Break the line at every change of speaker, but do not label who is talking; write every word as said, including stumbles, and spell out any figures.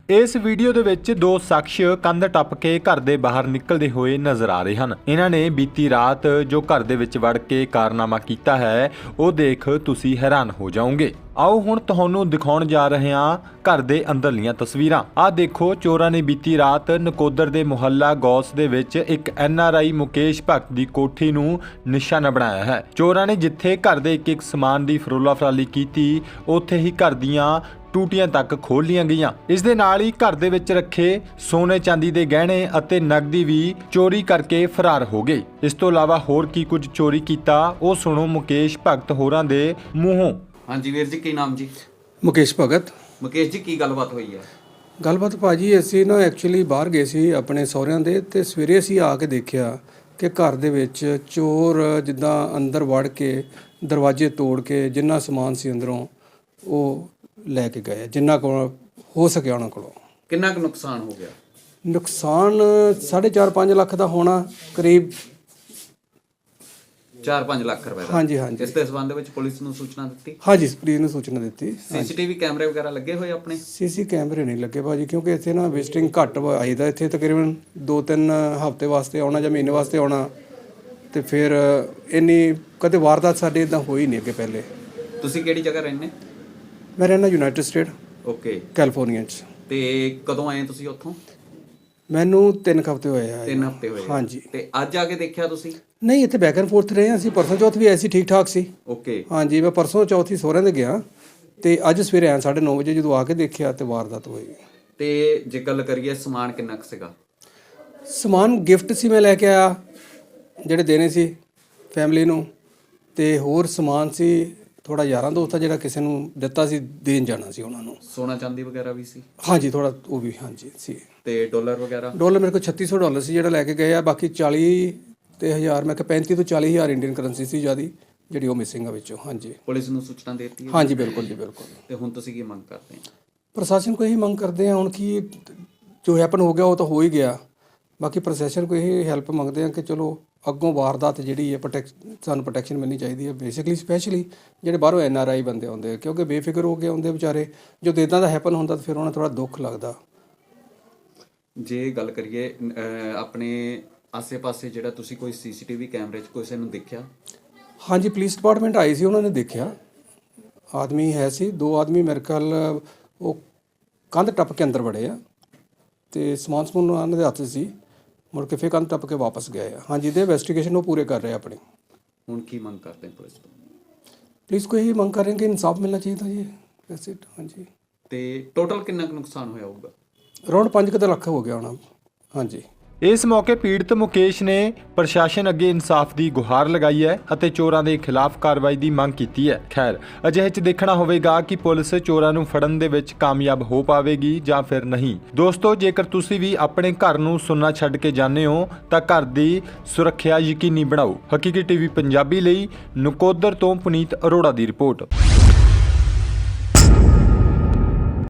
इस वीडियो ਦੇ ਵਿੱਚ ਦੋ ਸ਼ਖਸ ਕੰਧ ਟੱਪ ਕੇ ਘਰ ਦੇ ਬਾਹਰ ਨਿਕਲਦੇ ਹੋਏ ਨਜ਼ਰ ਆ ਰਹੇ ਹਨ। ਇਹਨਾਂ ਨੇ ਬੀਤੀ ਰਾਤ ਜੋ ਘਰ ਦੇ ਵਿੱਚ ਵੜ ਕੇ ਕਾਰਨਾਮਾ ਕੀਤਾ ਹੈ ਉਹ ਦੇਖ ਤੁਸੀਂ ਹੈਰਾਨ ਹੋ ਜਾਓਗੇ। ਆਓ ਹੁਣ ਤੁਹਾਨੂੰ ਦਿਖਾਉਣ ਜਾ ਰਹੇ ਹਾਂ ਘਰ ਦੇ ਅੰਦਰਲੀਆਂ ਤਸਵੀਰਾਂ। ਆਹ ਦੇਖੋ, ਚੋਰਾਂ ਨੇ ਬੀਤੀ ਰਾਤ ਨਕੋਦਰ ਦੇ ਮੁਹੱਲਾ ਗੌਸ ਦੇ ਵਿੱਚ ਇੱਕ ਐਨ ਆਰ ਆਈ ਮੁਕੇਸ਼ ਭਗਤ ਦੀ ਕੋਠੀ ਨੂੰ ਨਿਸ਼ਾਨਾ ਬਣਾਇਆ ਹੈ। ਚੋਰਾਂ ਨੇ ਜਿੱਥੇ ਘਰ ਦੇ ਇੱਕ ਇੱਕ ਸਮਾਨ ਦੀ ਫਰੋਲਾ ਫਰਾਲੀ ਕੀਤੀ, ਉੱਥੇ ਹੀ ਘਰ ਦੀਆਂ ਟੂਟੀਆਂ ਤੱਕ ਖੋਲ ਲੀਆਂ ਗਈਆਂ। ਇਸ ਦੇ ਨਾਲ ਹੀ ਘਰ ਦੇ ਵਿੱਚ ਰੱਖੇ ਸੋਨੇ ਚਾਂਦੀ ਦੇ ਗਹਿਣੇ ਅਤੇ ਨਕਦੀ ਵੀ ਚੋਰੀ ਕਰਕੇ ਫਰਾਰ ਹੋ ਗਏ। ਇਸ ਤੋਂ ਇਲਾਵਾ ਹੋਰ ਕੀ ਕੁਝ ਚੋਰੀ ਕੀਤਾ ਉਹ ਸੁਣੋ ਮੁਕੇਸ਼ ਭਗਤ ਹੋਰਾਂ ਦੇ ਮੂੰਹੋਂ।
ਹਾਂਜੀ ਵੀਰ ਜੀ, ਕੀ ਨਾਮ ਜੀ?
ਮੁਕੇਸ਼ ਭਗਤ।
ਮੁਕੇਸ਼ ਜੀ, ਕੀ ਗੱਲਬਾਤ ਹੋਈ ਹੈ?
ਗੱਲਬਾਤ ਭਾਜੀ ਅਸੀਂ ਨਾ ਐਕਚੁਅਲੀ ਬਾਹਰ ਗਏ ਸੀ ਆਪਣੇ ਸਹੁਰਿਆਂ ਦੇ, ਤੇ ਸਵੇਰੇ ਅਸੀਂ ਆ ਕੇ ਦੇਖਿਆ ਕਿ ਘਰ ਦੇ ਵਿੱਚ ਚੋਰ ਜਿੱਦਾਂ ਅੰਦਰ ਵੜ ਕੇ ਦਰਵਾਜ਼ੇ ਤੋੜ ਕੇ ਜਿੰਨਾ ਸਮਾਨ ਸੀ ਅੰਦਰੋਂ ਉਹ ਲੈ ਕੇ ਗਏ, ਜਿੰਨਾ ਕੋਲ ਹੋ ਸਕਿਆ ਉਹਨਾਂ ਕੋਲੋਂ।
ਕਿੰਨਾ ਕੁ ਨੁਕਸਾਨ ਹੋ ਗਿਆ?
ਨੁਕਸਾਨ ਸਾਢੇ ਚਾਰ ਪੰਜ ਲੱਖ ਦਾ ਹੋਣਾ ਕਰੀਬ।
ਚਾਰ ਪੰਜ ਲੱਖ ਰੁਪਏ ਦਾ?
ਹਾਂਜੀ ਹਾਂਜੀ।
ਇਸ ਦੇ ਸੰਬੰਧ ਵਿੱਚ ਪੁਲਿਸ ਨੂੰ ਸੂਚਨਾ ਦਿੱਤੀ?
ਹਾਂਜੀ, ਪੁਲਿਸ ਨੂੰ ਸੂਚਨਾ ਦਿੱਤੀ।
ਸੀਸੀਟੀਵੀ ਕੈਮਰੇ ਵਗੈਰਾ ਲੱਗੇ ਹੋਏ ਆਪਣੇ?
ਸੀਸੀ ਕੈਮਰੇ ਨਹੀਂ ਲੱਗੇ ਭਾਜੀ, ਕਿਉਂਕਿ ਇੱਥੇ ਨਾ ਵਿਜ਼ਿਟਿੰਗ ਘੱਟ ਆਈਦਾ। ਇੱਥੇ ਤਕਰੀਬਨ ਦੋ ਤਿੰਨ ਹਫ਼ਤੇ ਵਾਸਤੇ ਆਉਣਾ ਜਾਂ ਮਹੀਨੇ ਵਾਸਤੇ ਆਉਣਾ, ਤੇ ਫਿਰ ਇੰਨੀ ਕਦੇ ਵਾਰਦਾਤ ਸਾਡੇ ਇਦਾਂ ਹੋਈ ਨਹੀਂ ਅੱਗੇ ਪਹਿਲੇ।
ਤੁਸੀਂ ਕਿਹੜੀ ਜਗ੍ਹਾ ਰਹਿੰਦੇ?
ਮੈਂ ਰਹਿਣਾ ਯੂਨਾਈਟਿਡ ਸਟੇਟ
ਓਕੇ,
ਕੈਲੀਫੋਰਨੀਆ 'ਚ।
ਤੇ ਕਦੋਂ ਆਏ ਤੁਸੀਂ ਉੱਥੋਂ?
ਮੈਨੂੰ ਤਿੰਨ ਕੁ ਹਫ਼ਤੇ ਹੋਏ ਆ।
ਤਿੰਨ ਹਫ਼ਤੇ ਹੋਏ?
ਹਾਂਜੀ।
ਤੇ ਅੱਜ ਆ ਕੇ ਦੇਖਿਆ ਤੁਸੀਂ?
ਨਹੀਂ, ਇੱਥੇ ਬੈਕ ਐਂਡ ਫੋਰਥ ਰਹੇ ਹਾਂ ਅਸੀਂ। ਪਰਸੋਂ ਚੌਥ ਵੀ ਐਸੀ ਠੀਕ ਠਾਕ ਸੀ।
ਓਕੇ।
ਹਾਂਜੀ, ਮੈਂ ਪਰਸੋਂ ਚੌਥ ਹੀ ਸਹੁਰਿਆਂ ਦੇ ਗਿਆ, ਤੇ ਅੱਜ ਸਵੇਰੇ ਆਇਆ ਸਾਢੇ ਨੌ ਵਜੇ। ਜਦੋਂ ਆ ਕੇ ਦੇਖਿਆ ਤੇ ਵਾਰਦਾਤ ਹੋਈ।
ਤੇ ਜੇ ਗੱਲ ਕਰੀਏ ਸਮਾਨ ਕਿੰਨਾ ਕੁ ਸੀਗਾ?
ਸਮਾਨ ਗਿਫਟ ਸੀ ਮੈਂ ਲੈ ਕੇ ਆਇਆ, ਜਿਹੜੇ ਦੇਣੇ ਸੀ ਫੈਮਿਲੀ ਨੂੰ, ਤੇ ਹੋਰ ਸਮਾਨ ਸੀ ਥੋੜਾ ਯਾਰਾਂ ਦੋਸਤਾਂ ਜਿਹੜਾ ਕਿਸੇ ਨੂੰ ਦਿੱਤਾ ਸੀ, ਦੇਣ ਜਾਣਾ ਸੀ ਉਹਨਾਂ ਨੂੰ।
ਸੋਨਾ ਚਾਂਦੀ ਵਗੈਰਾ ਵੀ ਸੀ?
ਹਾਂਜੀ, ਥੋੜਾ ਉਹ ਵੀ ਹਾਂਜੀ ਸੀ।
ਤੇ ਡਾਲਰ ਵਗੈਰਾ?
ਡਾਲਰ ਮੇਰੇ ਕੋਲ ਛੱਤੀ ਸੌ ਡਾਲਰ ਸੀ ਜਿਹੜਾ ਲੈ ਕੇ ਗਏ ਆ। ਬਾਕੀ ਚਾਲੀ ਤੇ ਹਜ਼ਾਰ, ਮੈਂ ਕਿਹਾ ਪੈਂਤੀ ਤੋਂ ਚਾਲੀ ਹਜ਼ਾਰ ਇੰਡੀਅਨ ਕਰੰਸੀ ਸੀ ਜਿਆਦੀ ਜਿਹੜੀ ਉਹ ਮਿਸਿੰਗ ਆ ਵਿੱਚੋਂ। ਹਾਂਜੀ।
ਪੁਲਿਸ ਨੂੰ ਸੂਚਨਾ ਦੇ ਦਿੱਤੀ ਹੈ?
ਹਾਂਜੀ, ਬਿਲਕੁਲ ਜੀ, ਬਿਲਕੁਲ।
ਤੇ ਹੁਣ ਤੁਸੀਂ ਕੀ ਮੰਗ ਕਰਦੇ ਹੋ?
ਪ੍ਰਸ਼ਾਸਨ ਕੋਲ ਇਹੀ ਮੰਗ ਕਰਦੇ ਆ ਹੁਣ ਕਿ ਜੋ ਹੈਪਨ ਹੋ ਗਿਆ ਉਹ ਤਾਂ ਹੋ ਹੀ ਗਿਆ। ਬਾਕੀ ਪ੍ਰਸ਼ਾਸਨ ਕੋਲ ਇਹ ਹੈਲਪ ਮੰਗਦੇ ਆ ਕਿ ਚਲੋ ਅੱਗੋਂ ਵਾਰਦਾਤ ਜਿਹੜੀ ਹੈ ਪ੍ਰੋਟੈਕ ਸਾਨੂੰ ਪ੍ਰੋਟੈਕਸ਼ਨ ਮਿਲਣੀ ਚਾਹੀਦੀ ਹੈ। ਬੇਸਿਕਲੀ ਸਪੈਸ਼ਲੀ ਜਿਹੜੇ ਬਾਹਰੋਂ ਐਨ ਆਰ ਆਈ ਬੰਦੇ ਆਉਂਦੇ ਆ, ਕਿਉਂਕਿ ਬੇਫਿਕਰ ਹੋ ਕੇ ਆਉਂਦੇ ਵਿਚਾਰੇ। ਜਦੋਂ ਇੱਦਾਂ ਦਾ ਹੈਪਨ ਹੁੰਦਾ ਤਾਂ ਫਿਰ ਉਹਨਾਂ ਥੋੜਾ ਦੁੱਖ ਲੱਗਦਾ।
ਜੇ ਗੱਲ ਕਰੀਏ ਆਪਣੇ ਆਸੇ-ਪਾਸੇ ਜਿਹੜਾ ਤੁਸੀਂ ਕੋਈ ਸੀਸੀਟੀਵੀ ਕੈਮਰੇ 'ਚ ਕਿਸੇ ਨੂੰ ਦੇਖਿਆ? ਹਾਂਜੀ,
ਪੁਲਿਸ ਡਿਪਾਰਟਮੈਂਟ ਆਈ ਸੀ, ਉਹਨਾਂ ਨੇ ਦੇਖਿਆ। ਆਦਮੀ ਹੈ ਸੀ, ਦੋ ਆਦਮੀ ਮੇਰੇ ਖਿਆਲ ਉਹ ਕੰਧ ਟੱਪ ਕੇ ਅੰਦਰ ਵੜੇ ਆ, ਤੇ ਸਮਾਨ ਸਮੂਨ ਉਹਨਾਂ ਦੇ ਹੱਥ ਸੀ। ਮੁੜ ਕੇ ਫਿਰ ਕੰਧ ਟੱਪ ਕੇ ਵਾਪਸ ਗਏ ਆ। ਹਾਂਜੀ, ਦੇ ਇਨਵੈਸਟੀਗੇਸ਼ਨ ਉਹ ਪੂਰੇ ਕਰ ਰਹੇ ਆਪਣੀ।
ਹੁਣ ਕੀ ਮੰਗ ਕਰਦੇ ਹੋ ਪੁਲਿਸ ਤੋਂ?
ਪੁਲਿਸ ਕੋਈ ਇਹੀ ਮੰਗ ਕਰ ਰਹੇ ਕਿ ਇਨਸਾਫ ਮਿਲਣਾ ਚਾਹੀਦਾ ਜੀ। ਵੈਸੇ ਹਾਂਜੀ।
ਤੇ ਟੋਟਲ ਕਿੰਨਾ ਕੁ ਨੁਕਸਾਨ ਹੋਇਆ ਹੋਊਗਾ?
ਅਰਾਊਂਡ ਪੰਜ ਕੁ ਲੱਖ ਹੋ ਗਿਆ ਹੋਣਾ। ਹਾਂਜੀ।
ਇਸ ਮੌਕੇ ਪੀੜਤ ਮੁਕੇਸ਼ ਨੇ ਪ੍ਰਸ਼ਾਸਨ ਅੱਗੇ ਇਨਸਾਫ ਦੀ ਗੁਹਾਰ ਲਗਾਈ ਹੈ ਅਤੇ ਚੋਰਾਂ ਦੇ ਖਿਲਾਫ ਕਾਰਵਾਈ ਦੀ ਮੰਗ ਕੀਤੀ ਹੈ। ਖੈਰ, ਅਜਿਹੇ 'ਚ ਦੇਖਣਾ ਹੋਵੇਗਾ ਕਿ ਪੁਲਿਸ ਚੋਰਾਂ ਨੂੰ ਫੜਨ ਦੇ ਵਿੱਚ ਕਾਮਯਾਬ ਹੋ ਪਾਵੇਗੀ ਜਾਂ ਫਿਰ ਨਹੀਂ। ਦੋਸਤੋ, ਜੇਕਰ ਤੁਸੀਂ ਵੀ ਆਪਣੇ ਘਰ ਨੂੰ ਸੁੰਨਾ ਛੱਡ ਕੇ ਜਾਂਦੇ ਹੋ ਤਾਂ ਘਰ ਦੀ ਸੁਰੱਖਿਆ ਯਕੀਨੀ ਬਣਾਓ। ਹਕੀਕੀ ਟੀਵੀ ਪੰਜਾਬੀ ਲਈ ਨਕੋਦਰ ਤੋਂ ਪੁਨੀਤ ਅਰੋੜਾ ਦੀ ਰਿਪੋਰਟ।